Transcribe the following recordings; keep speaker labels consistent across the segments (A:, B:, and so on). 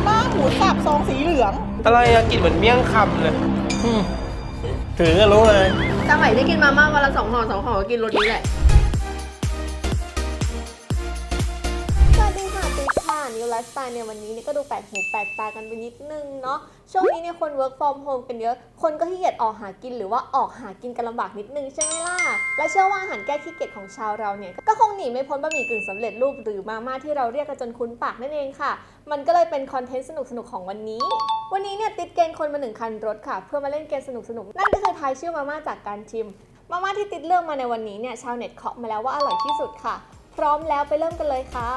A: ม่าหมูสับซองสีเหลือง
B: อะไรอะกลิ่นเหมือนเมี่ยงคำเลย
C: ถือก็รู้เลย
D: สมัยที่กินมาม่าวันละ2 ห่อ2 ห่อก็กินรสนี้แหละสวัสดีค่ะติ๊กค่ะนิวไลฟ์สไตล์ในวันนี้เนี่ยก็ดูแปลกหูแปลกตากันไปนิดนึงเนาะช่วงนี้เนี่ยคน work from home กันเยอะคนก็ขี้เกียจออกหากินหรือว่าออกหากินกันลำบากนิดนึงใช่ไหมล่ะและเชื่อว่าอาหารแก้ขี้เกียจของชาวเราเนี่ยก็คงหนีไม่พ้นบะหมี่กึ่งสำเร็จรูปหรือมาม่าที่เราเรียกกันจนคุ้นปากนั่นเองค่ะมันก็เลยเป็นคอนเทนต์สนุกๆของวันนี้เนี่ยติดเกณฑ์คนมา1 คันรถค่ะเพื่อมาเล่นเกมสนุกๆนั่นก็คือทายชื่อมาม่าจากการชิมมาม่าที่ติดเลือกมาในวันนี้เนี่ยชาวเน็ตเคาะมาแล้วว่าอร่อยที่สุดค่ะพร้อมแล้วไปเริ่มกันเลยค่ะ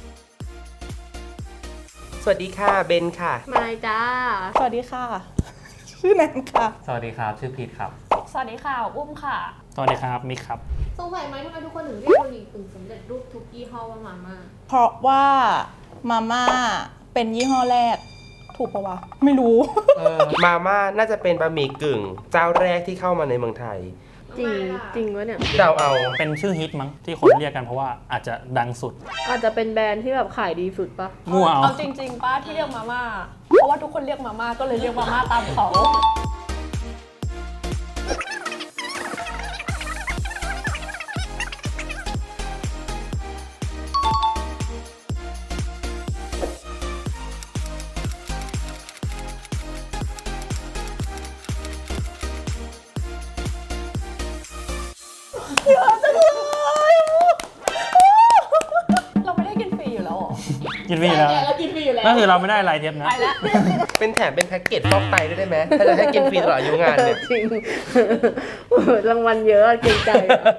B: สวัสดีค่ะเบนค่ะ
D: มาจ้า
A: สวัสดีค่ะชื่อแนนค่ะ
E: สวัสดีครับชื่อพีทครับ
F: สวัสดีค่ะอุ้มค่ะ
C: สวัสดีครับมิกครับ
D: สงสัยไหมทำไมทุกคนถึงเรียกบะหมี่กึ่งสำเร็จรูปทุกยี่ห้อว่ามาม่า
A: เพราะว่ามาม่าเป็นยี่ห้อแรกถูกปะวะไม่รู้
B: มาม่าน่าจะเป็นบะหมี่กึ่งเจ้าแรกที่เข้ามาในเมืองไทย
D: จริงวะเนี่ย
B: เราเอา
C: เป็นชื่อฮิตมั้งที่คนเรียกกันเพราะว่าอาจจะดังสุด
D: อาจจะเป็นแบรนด์ที่แบบขายดีสุดปะ
C: มั่ว
F: เอาจริงๆป้าที่เรียกมาม่าเพราะว่าทุกคนเรียกมาม่าก็เลยเรียกมาม่าตามเขาเราไม่ได้กินฟรีอยู่แล้วหรอ
C: กินฟรีแล้ว
D: เรากินฟรีอยู่แล้ว
C: นั่นคือเราไม่ได้รายเทปนะ
F: ไปแล้ว
B: เป็นแถมเป็นแพ็กเกจฟอกไตได้ไหมถ้าจะให้กินฟรีตลอดอายุงานเนี่ย
D: จริงรางวัลเยอะเกรงใจ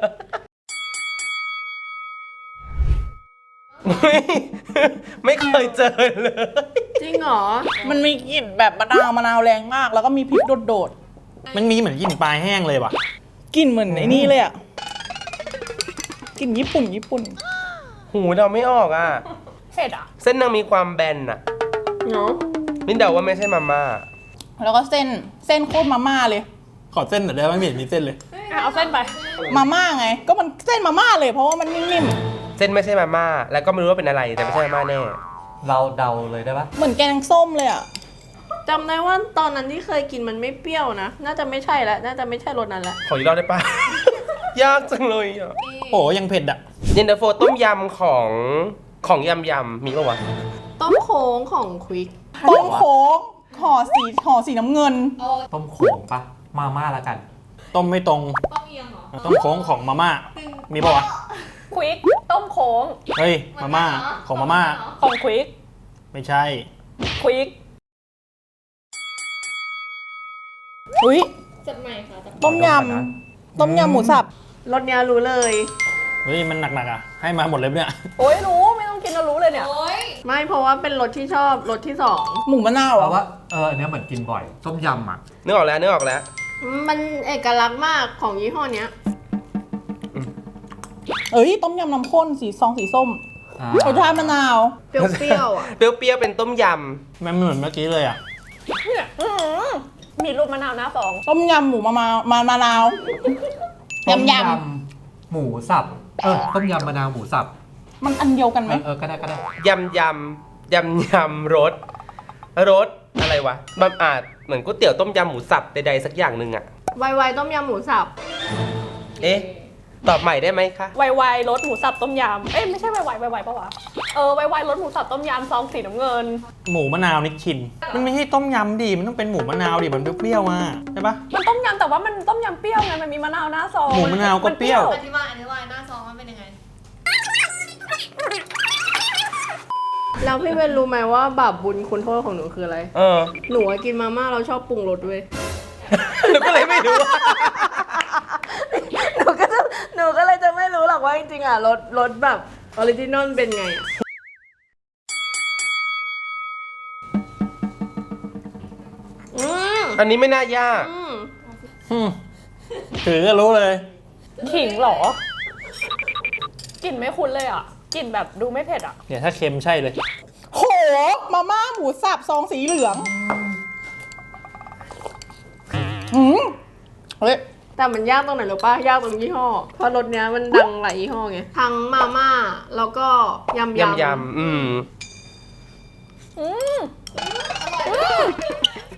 B: ไม่เคยเจอเลย
D: จริงเหรอ
A: มันมีกลิ่นแบบมะนาวแรงมากแล้วก็มีพริกโดด
C: มันมีเหมือนกลิ่นปลายแห้งเลยว่ะ
A: กลิ่นเหมือนไอ้นี่เลยอ่ะกลิ่นญี่ปุ่น
B: หูเราไม่ออกอ่ะ
F: เผ็ดอ่ะ
B: เส้นนางมีความแบนอ่ะ
D: เนาะ
B: มินเดาว่าไม่ใช่มาม่า
A: แล้วก็เส้นโคตรมาม่าเลย
C: ขอเส้นหน่อยได้ไหมไม่เห็นมีเส้นเลย
F: เอาเส้นไป
A: มาม่าไงก็มันเส้นมาม่าเลยเพราะว่ามันนิ่ม
B: เส้นไม่ใช่มาม่าแล้วก็ไม่รู้ว่าเป็นอะไรแต่ไม่ใช่มาม่าแน่
E: เราเดาเลยได้ปะ
A: เหมือนแกงส้มเลยอ่ะ
D: จำได้ว่าตอนนั้นที่เคยกินมันไม่เปรี้ยวนะน่าจะไม่ใช่แล้วน่าจะไม่ใช่รสนั้นแล้ว
B: ขออีกรอบได้ปะ ยากจังเลยอ่ะ
C: โอ้ยังเผ็ดอ่ะ
B: เย็นตาโฟต้มยำของยำมีปะวะ
D: ต้มโค้งของควิก
A: ต้มโค้งห่อสีน้ำเงิน
E: ต้มโขงปะมาม่าละกัน
C: ต้มไม่ตรง
D: ต้มเอียงเหรอ
C: ต้มโค้งของมาม่ามีปะวะ
F: ควิกต้มโค้ง
C: เฮ้ยมาม่าของมาม่า
F: ของควิก
C: ไม่ใช่
F: ควิก
A: อุ้ย
D: จัดใหม่ค่ะ
A: ต้มยำหมูสับ
D: รสเนี้ยรู้เลย
C: เฮ้ยมันหนักๆอ่ะให้มาหมดเลยเนี่ย
F: โอ้ยรู้ไม่ต้องกินแล้วรู้เลยเนี่ย
D: ไม่เพราะว่าเป็นรสที่ชอบรสที่2
A: หมูมะนาว
E: เพราะว่าอันนี้เหมือนกินบ่อยต้มยำอ่ะ
B: นึกออกแล้ว
D: มันเอกลักษณ์มากของยี่ห้อเนี้ย
A: เอ้ยต้มยำน้ำข้นสีส้มรสชาติมะนาว
D: เปรี้ยวอ่ะ
B: เปรี้ยวเป็นต้มย
C: ำมันเหมือนเมื่อกี้เลยอ่ะ
F: เนี่ยมีรูปมะนาวหน้าซอง
A: ต้มยำหมูมะนาว
E: ต้มยำหมูสับต้มยำมะนาวหมูสับ
A: มันอันเดียวกันไหม
E: ก็ได้
B: ยำรสอะไรวะมันอาจเหมือนก๋วยเตี๋ยวต้มยำหมูสับใดๆสักอย่างหนึ่งอะ
D: ไวต้มยำหมูสับ
B: ตอบใหม่ได้ไหมคะ
F: ไวรสหมูสับต้มยำไม่ใช่ไวปะวะไวรสหมูสับต้มยำซองสีน้ำเงิน
C: หมูมะนาวนิชชินมันไม่ใช่ต้มยำดิมันต้องเป็นหมูมะนาวดิมันเปรี้ยวๆมาใช่ปะ
F: มันต้มยำแต่ว่ามันต้มยำเปรี้ยวไงมันมีมะนาวหน้าซอง
C: หมูมะนาวก็เปรี้ยว
D: อธิบายหน้าซองมันเป็นยังไงแล้วพี่เวนรู้ไหมว่าบาปบุญคุณโทษของหนูคืออะไรหนูกินมาม่าเราชอบปรุงรสด้วย
B: หนูก็เลยไม่รู้
D: หนูก็เลยจะไม่รู้หรอกว่าจริงๆอ่ะรสแบบออริจินอลเป็นไง
B: อันนี้ไม่น่ายาก
C: ถือก็รู้เลย
F: ขิงเหรอกลิ่นไม่คุ้นเลยอ่ะกลิ่นแบบดูไม่เผ็ดอ่ะ
C: เนี่ยถ้าเค็มใช่เลย
A: โหมาม่าหมูสับซองสีเหลืองเฮ้ย
D: แต่มันยากตรงไหนหรือป่ะยากตรงยี่ห้อเพราะรสเนี้ยมันดังหลายยี่ห้อไงทั้งมาม่าแล้วก็ยำ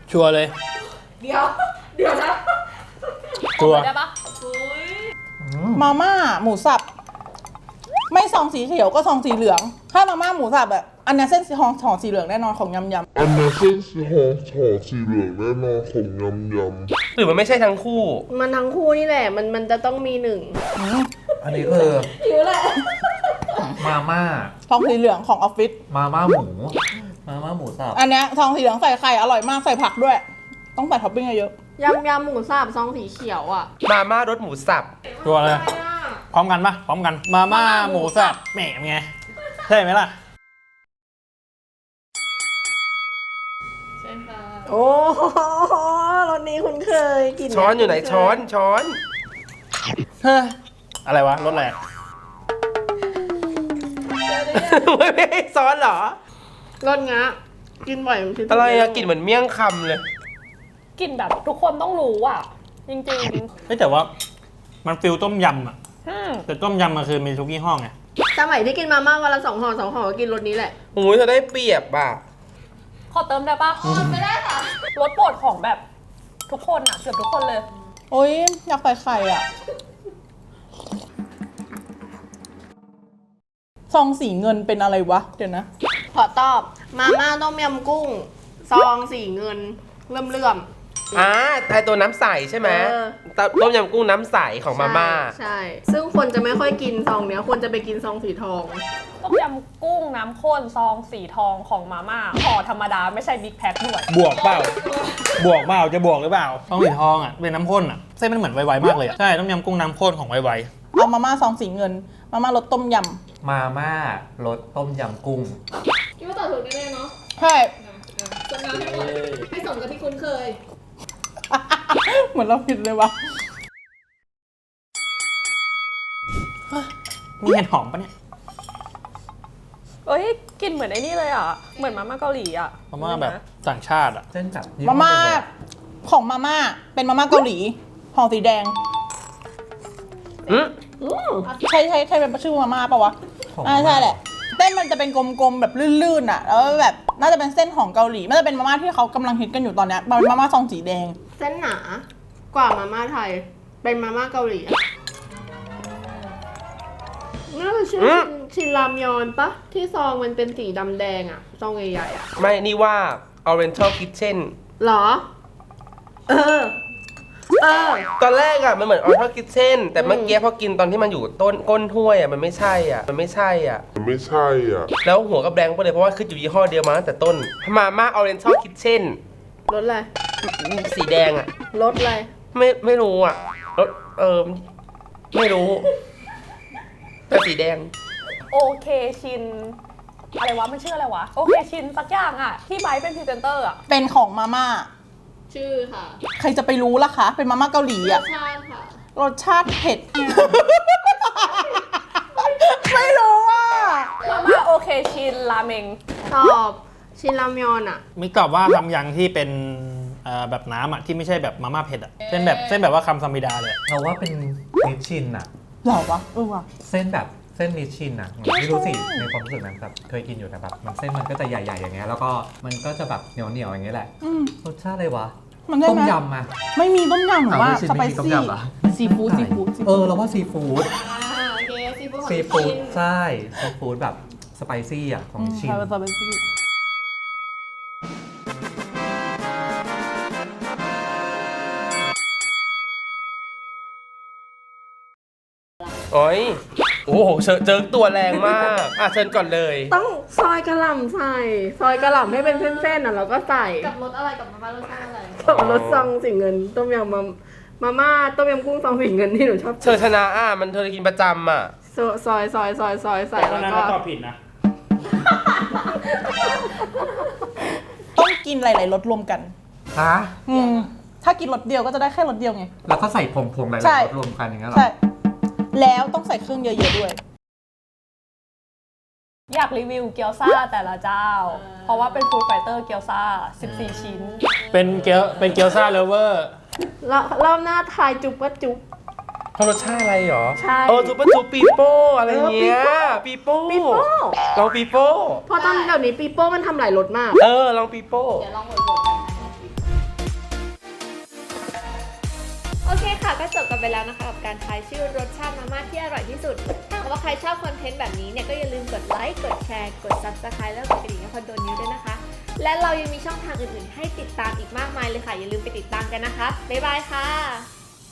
C: ชัวร์เลย
F: เดี๋ยวนะ
C: ชัวร์
F: ได้ปะ
A: มาม่าหมูสับ ไม่ซองสีเขียวก็ซองสีเหลือง ถ้ามาม่าหมูสับแบบอันนี้เส้นสีทองห่อสีเหลืองแน่นอนของยำ
G: อันนี้เส้นสีหอมสีเหลืองแน่นอนของยำ
B: หรือมันไม่ใช่ทั้งคู่
F: มันทั้งคู่นี่แหละ มันจะต้องมีหนึ่ง
E: อันนี้คือมาม่า
A: ซองสีเหลืองของออฟฟิศ
E: มาม่าหมู มาม่าหมูสับ
A: อันเนี้ยซองสีเหลืองใส่ไข่อร่อยมากใส่ผักด้วย ต้องใส่ท็อปปิ้งเยอะ
F: ยำหมูสับซองสีเขียวอ่ะ
B: มาม่ารสหมูสับ
C: ชัวร์เลย พร้อมกันปะพร้อมกัน มาม่าหมูสับแหมไง ใช่ไหมล่ะ
F: โอ้รสนี้คุณเคยกิน
B: ช้อนอยู่ไหนช้อนช้อน
C: เฮ้ย อะไรวะ รถแหลก
B: ไม่ให้ซ้อนเหรอ
F: รสงะกินบ่อยมันคือ
B: อะไรอะกลิ่นเหมือนเมี่ยงคำเลย
F: กินแบบทุกคนต้องรู้อ่ะ จริง
C: เฮ้ยแต่ว่ามันฟิลต้มยำอะ
F: ๆ
C: แต่ต้มยำมันคือมีทุกยี่ห้อไง
F: สมัยที่กินมาม่าวันละ2 ห่อ 2 ห่อก็กินรสนี้แหละ
B: โอ้ยเธอได้เปรียบอ่ะ
F: ขอเติมได้ปะไม่ได้ค่ะรสโปรดของแบบทุกคนอ่ะเกือบทุกคนเลย
A: ๆ โอ๊ยอยากใส่ไข่อ่ะ ซองสีเงินเป็นอะไรวะ เดี๋ยวนะ
F: ขอตอบมาม่าต้มยำกุ้ง ซองสีเงินเลื่อม
B: อ่าไอตัวน้ำใสใช่ไหม
F: เออ
B: ต้มยำกุ้งน้ำใสของมาม่า
F: ใช่ ซึ่งคนจะไม่ค่อยกินซองเนี้ยควรจะไปกินซองสีทองต้มยำกุ้งน้ำข้นซองสีทองของมาม่าห่อธรรมดาไม่ใช่บิ๊กแพ็คด้วย
C: บวกเปล่า บวกเปล่า จะบวกหรือเปล่าต้องสีทองอ่ะ เป็นน้ำข้นอ่ะ เส้นมันเหมือนไวๆมากเลยอ่ะ ใช่ ต้มยำกุ้งน้ำข้นของไว
A: เอามาม่าซองสีเงิน มาม่ารสต้มย
E: มาม่ารสต้มยำกุ้ง
F: คิดว่าตอบถูกแน่ๆเนาะ
A: ำใช่
F: จำนวนให้หมดให้สมกับที่คุ้นเคย
A: เหมือนเราผิดเลยวะ
C: ๆ มีเห็ดหอมปะเนี่ย
F: เอ้ยกลินเหมือนไอ้นี่เลยอ่ะ เหมือนมาม่าเกาหลีอ่ะ
C: มาม่าแบบต่างชาติอ่ะ
E: เส้นแบบ
A: มาม่าของมาม่าเป็นมาม่าเกาหลีห่อสีแดง ใช่เป็นชื่อมาม่าปะวะใช่แหละเส้นมันจะเป็นกลมๆแบบลื่นๆอ่ะ แล้วแบบน่าจะเป็นเส้นของเกาหลีน่าจะเป็นมาม่าที่เขากำลังฮิตกันอยู่ตอนเนี้ยมันเป็นมาม่าซองสีแดง
F: เส้นหนากว่ามาม่าไทย เป็นมาม่าเกาหลีอะน่าจะชื่อชินรามยอนปะที่ซองมันเป็นสีดำแดงอะซองใหญ่ๆอะ
B: ไม่นี่ว่า Oriental Kitchen
F: หรอ เออ
B: ตอนแรกอะมันเหมือน Oriental Kitchen แต่เมื่อกี้พอกินตอนที่มันอยู่ต้นก้นถ้วยอะมันไม่ใช่อะมันไม่ใช่อะ
G: ไม่ใช่อ่ะ
B: แล้วหัวก็แบงค์ไปเลยเพราะว่าขึ้นอยู่ยี่ห้อเดียวมาตั้งแต่ต้นมาม่า Oriental Kitchen
F: รสอะไร
B: สีแดงอะ
F: รสอะไร
B: ไม่รู้อะรสไม่รู้ แต่สีแดง
F: โอเคชิน อะไรวะ มันชื่ออะไรวะ โอเคชินสักอย่างอะที่ไบร์ทเป็นพรีเซนเตอร์อะ
A: เป็นของมาม่า
F: ชื่อค่ะ
A: ใครจะไปรู้ล่ะคะ เป็นมาม่าเกาหลีอ่ะ
F: ชาติค่ะ
A: รสชาติเผ็ด ไม่รู้อ่ะ
F: มาม่าโอเคชินราเมงตอบชินรามยอนอะ
C: มิกตอบว่าทำยังที่เป็นแบบน้ำอ่ะ ที่ไม่ใช่แบบมาม่าเผ็ดอ่ะ เส้นแบบว่าคำซามิดาเลยอะ
E: เราว่าเป็นนิชชินอ่ะ
A: เหรอวะว่ะ
E: เส้นแบบเส้นนิชชินอ่ะไม่รู้สิในความรู้สึกนั้นแบบเคยกินอยู่แต่แบบมันเส้นมันก็จะใหญ่ๆอย่างเงี้ยแล้วก็มันก็จะแบบเหนียวๆอย่างเงี้ยแหละ
A: อืม
E: รสชาติอะไรวะ
A: มันได้ไหม
E: ต้มยำอ่ะ
A: ไม่มีต้มยำหรือว่า
E: อ้าวไม่ใช่
A: สไป
E: ไม่มีต้ม
A: ซี่
E: ยำเหรอ
A: ซีฟู้ด
E: เราว่าซีฟู้ด
F: โอเคซีฟู้ด
E: ซีฟู้ดใช่ซีฟู้ดแบบสไปซี่อ่ะของนิชชิน
A: ใช่สไปซี่
B: โอ้ยโอ้โหเจอตัวแรงมากอ่ะเชิญก่อนเลย
F: ต้องซอยกระหล่ำใส่ ซอยกระหล่ำให้เป็นเส้นๆอ่ะแล้วก็ใส่
H: กับรสอะไรกับมาม่ารสชาติอะไร
F: กับรสซองสีเงิน ต้มยำมาม่าต้มยำกุ้งซองสีเงินที่หนูชอบ
B: เธอชนะอ่ะมันเธอกินประจำอ่ะ
F: ซอยใส่แล้วก็
C: ตอบผิดนะ
A: ต้องกินหลายๆรสรวมกัน
E: ฮะ
A: ถ้ากินรสเดียวก็จะได้แค่รสเดียวไง
E: แล้วก็ใส่ผงๆหลาย
A: ใช่
E: ๆรสรวมกันอย่างเงี้ยเหรอ
A: ใช่ แล้วต้องใส่เครื่องเยอะๆด้วย
F: อยากรีวิวเกี๊ยวซ่าแต่ละเจ้า เพราะว่าเป็นฟู้ดไฟเตอร์เกี๊ยวซ่า 14 ชิ้น
C: เป็นเกี๊ยวซ่าเลเวอร์
F: รอบหน้าทายจุ๊บก็จุ๊บ
B: เขารสชาติอะไรหรอ
F: ใช่
B: ซุปเปอร์จูปีโป้อะไรเงี้ยปีโป้
F: ปีโป้
B: ลองปีโป้
F: เพราะตอนเดี๋ยวนี้ปีโป้มันทำหลายรสมาก
B: ลองปีโป้
H: เดี๋ยวลองโหวตกันนะคะ
D: โอเคค่ะก็จบกันไปแล้วนะคะกับการทายชื่อรสชาติมาม่าที่อร่อยที่สุดถ้าหากว่าใครชอบคอนเทนต์แบบนี้เนี่ยก็อย่าลืมกดไลค์กดแชร์กด Subscribe แล้วกดกระดิ่งให้คอนโดนิวด้วยนะคะและเรายังมีช่องทางอื่นๆให้ติดตามอีกมากมายเลยค่ะอย่าลืมไปติดตามกันนะคะบ๊ายบายค่ะ